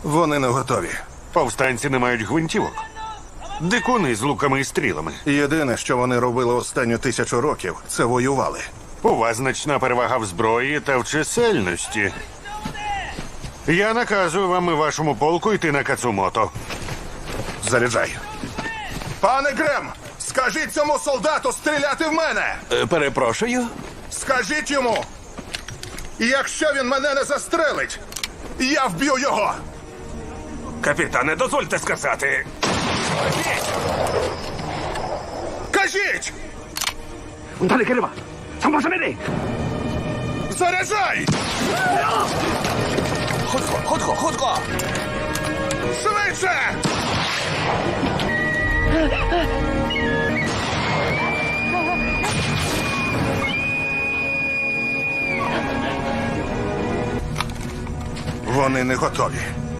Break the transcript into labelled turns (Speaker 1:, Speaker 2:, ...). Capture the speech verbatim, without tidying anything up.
Speaker 1: Вони не готові.
Speaker 2: Повстанці не мають гвинтівок. Дикуни з луками і стрілами.
Speaker 1: Єдине, що вони робили останню тисячу років, це воювали.
Speaker 2: У вас значна перевага в зброї та в чисельності. Я наказую вам і вашому полку йти на Кацумото.
Speaker 1: Заряджай. Пане Грем, скажіть цьому солдату стріляти в мене!
Speaker 3: Е, перепрошую.
Speaker 1: Скажіть йому! Якщо він мене не застрелить, я вб'ю його!
Speaker 4: Капітане, дозвольте сказати.
Speaker 1: Кажіть!
Speaker 5: Далі, Кирива! Самосаміри!
Speaker 1: Заряджай!
Speaker 3: Хутко, хутко, хутко!
Speaker 1: Швидше! Вони не готові.